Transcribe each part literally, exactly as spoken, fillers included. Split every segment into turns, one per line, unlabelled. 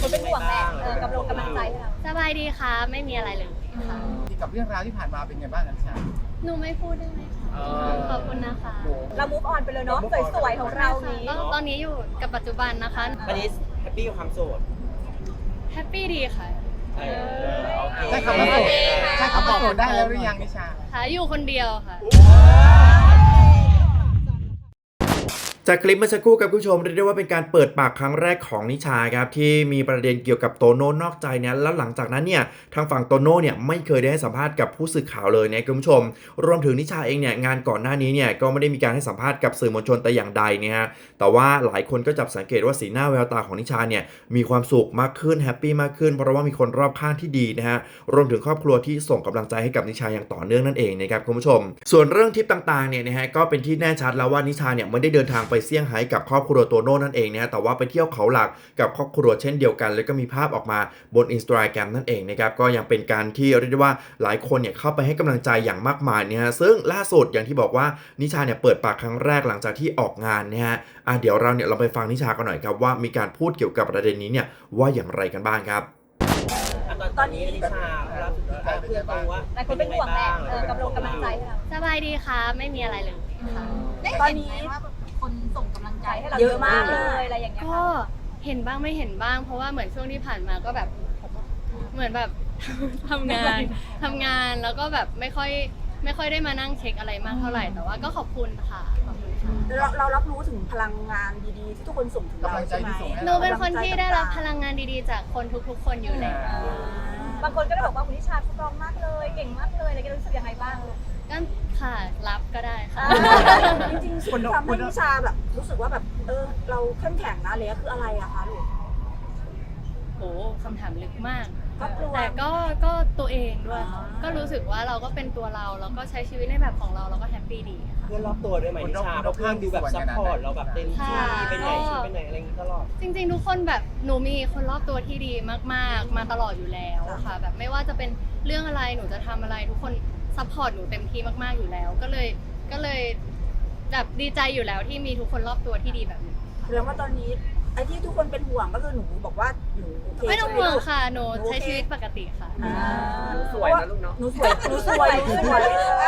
คนเป็นห่วงแหละเออกำลังกำลังใจให้เรา
สบายดีค่ะไม่มีอะไรเลยค่ะ
กับเรื่องราวที่ผ่านมาเป็นไงบ้างนะชา
หนูไม่พูดได้ไหมคะขอบคุณนะคะ
เรา move on ไปเลยเนาะสวยๆของเรานี้
ก็ตอนนี้อยู่กับปัจจุบันนะคะ
วันนี้แฮปปี้กับความโสด
แฮปปี้ดีค่ะ
ใช่คำว่าโสดใช่คำว่าโสดได้แล้วหรือยังนิชา
ค่ะอยู่คนเดียวค่ะ
จากคลิปเมื่อสักครู่กับผู้ชมเรียกได้ว่าเป็นการเปิดปากครั้งแรกของนิชาครับที่มีประเด็นเกี่ยวกับโตโน่นอกใจเนี่ยแล้วหลังจากนั้นเนี่ยทางฝั่งโตโน่เนี่ยไม่เคยได้ให้สัมภาษณ์กับผู้สื่อข่าวเลยนะคุณผู้ชมรวมถึงนิชาเองเนี่ยงานก่อนหน้านี้เนี่ยก็ไม่ได้มีการให้สัมภาษณ์กับสื่อมวลชนแต่อย่างใดเนี่ยฮะแต่ว่าหลายคนก็จับสังเกตว่าสีหน้าแววตาของนิชาเนี่ยมีความสุขมากขึ้นแฮปปี้มากขึ้นเพราะว่ามีคนรอบข้างที่ดีนะฮะรวมถึงครอบครัวที่ส่งกำลังใจให้กับนิชาอย่างต่อเนื่องนั่นเองนะครับคุณผู้ชมส่วนเรื่องทริปต่างๆเนี่ยนะฮะก็เป็นที่แน่ชัดแล้วว่านิชาเนี่ยไม่ได้เดินทางไปเซี่ยงไฮ้กับครอบครัวโตโน่นั่นเองนะฮะแต่ว่าไปเที่ยวเขาหลักกับครอบครัวเช่นเดียวกันแล้วก็มีภาพออกมาบน Instagram นั่นเองนะครับก็ยังเป็นการที่เรียกได้ว่าหลายคนเนี่ยเข้าไปให้กำลังใจอย่างมากมายนะฮะซึ่งล่าสุดอย่างที่บอกว่านิชาเนี่ยเปิดปากครั้งแรกหลังจากที่ออกงานนะฮะอ่ะเดี๋ยวเราเนี่ยเราไปฟังนิชากันหน่อยครับว่ามีการพูดเกี่ยวกับประเด็นนี้เนี่ยว่าอย่างไรกันบ้างครับ
ตอนนี้นิชาเราเพื่อนตัวว่า
หลายคนเป็นห่วงแหละเออกำลังกำลังใจให้เรา
สบายดีค่ะไม่มีอะไรเลยค่ะ
ตอนนี้คนส่งกำลังใจให้เราเยอะมากเลยอะไรอย่างเงี้ย
ก็เห็นบ้างไม่เห็นบ้างเพราะว่าเหมือนช่วงที่ผ่านมาก็แบบเหมือนแบบทำงานทำงานแล้วก็แบบไม่ค่อยไม่ค่อยได้มานั่งเช็คอะไรมากเท่าไหร่แต่ว่าก็ขอบคุณค่ะขอบคุณค่ะ
เราเรารับรู้ถึงพลังงานดีๆที่ทุกคนส่งถึงเราใช่ไหม
หนูเป็นคนที่ได้รับพลังงานดีๆจากคนทุกๆคนอยู่แล้ว
บางคนก็ได้บอกว่าคุณนิชาสตรองมากเลยเก่งมากเลยอะไรกันรู้สึกยังไงบ้าง
ก็ค่ะรับก็ได้ค่ะ
จริงๆสิ่งที่ทำให้นิชาแบบรู้สึกว่าแบบเออเราเข้มแข็งนะอะไรคืออะไรอะคะลูก
โอ้คำถามลึกมากแต่ก็ก็ตัวเองด้วยก็รู้สึกว่าเราก็เป็นตัวเราแล้วก็ใช้ชีวิตในแบบของเราแล้วก็แฮปปี้ดี
เพื่อนรอบตัวด้วยไหมนิชาเพราะเพื่อนดูแบบซัพพอร์ตเราแบบเต็มที่ไปไหนไปไหนอะไรอย่างนี้ตลอด
จริงๆทุกคนแบบหนูมีคนรอบตัวที่ดีมากๆมาตลอดอยู่แล้วค่ะแบบไม่ว่าจะเป็นเรื่องอะไรหนูจะทำอะไรทุกคนซัพพอร์ตหนูเต็มที่มากๆอยู่แล้วก็เลยก็เลยแบบดีใจอยู่แล้วที่มีทุกคนรอบตัวที่ดีแบบนี้
แสดงว่าตอนนี้ไอ้ที่ทุกคนเป็นห่วงก็คือหนูบอกว่าหนู
ไม่ต้องห่วงค่ะหนูใช้ชีวิตปกติค่ะ
หนูสวยนะลูกเนาะ
หนูสวยหนูสวยหนูสวย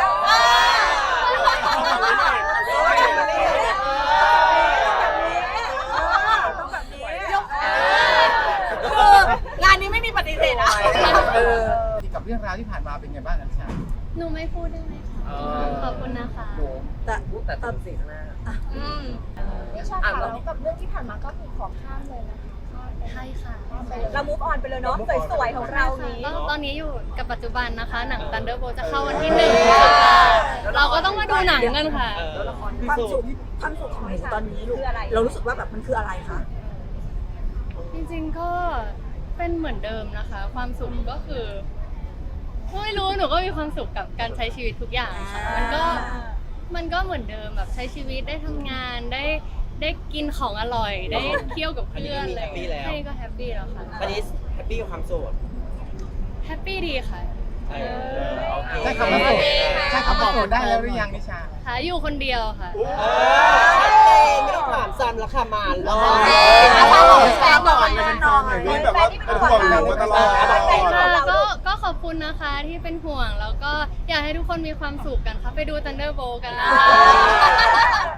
งานนี้ไม่มีปฏิเสธอะ
กับเรื่องราวที่ผ่านมาเป็นไงบ้างนะชา
หนูไม่พูดได้ไหมขอบคุณนะคะ
แต่แต่ตอนสิ่งข้างหน้า
นิชาค่ะแล้วกับเรื่องที่ผ่านมาก็มีขอข้ามเลยนะคะ
ใช่ค่ะ
เรา move on ไปเลยเนาะสวยๆของเรานี้
ก็ตอนนี้อยู่กับปัจจุบันนะคะหนัง Thunderbolt จะเข้าวันที่หนึ่งเราก็ต้องมาดูหนังกันค่ะ
ความสุขความสุขของหนูตอนนี้ลูกเรารู้สึกว่าแบบมันคืออะไรคะ
จริงๆก็เป็นเหมือนเดิมนะคะความสุขก็คือไม่รู้หนูก็มีความสุขกับการใช้ชีวิตทุกอย่างค่ะมันก็มันก็เหมือนเดิมแบบใช้ชีวิตได้ทำงานได้ได้กินของอร่อยได้เที่ยวกับเพื่อนอะไรใช่ก็แฮปปี้แล้วค่ะ
วันนี้แฮปปี้กับความโสด
แฮปปี้ดีค่ะ
ใช่คำว่าโสดใช่คำว่าโสดได้แล้วหรือยังนิชา
ค่ะอยู่คนเดียวค่ะ
ชัดเจนไม่ต้องถามซ้ำแล้วค่ะมาแล้ว
แฟนบอกแน่นอน
แบบว่าเป็นห่วงหนูตลอด
ก็ก็ขอบคุณนะคะที่เป็นห่วงแล้วก็อยากให้ทุกคนมีความสุขกันค่ะไปดู Thunderbolt กันนะคะ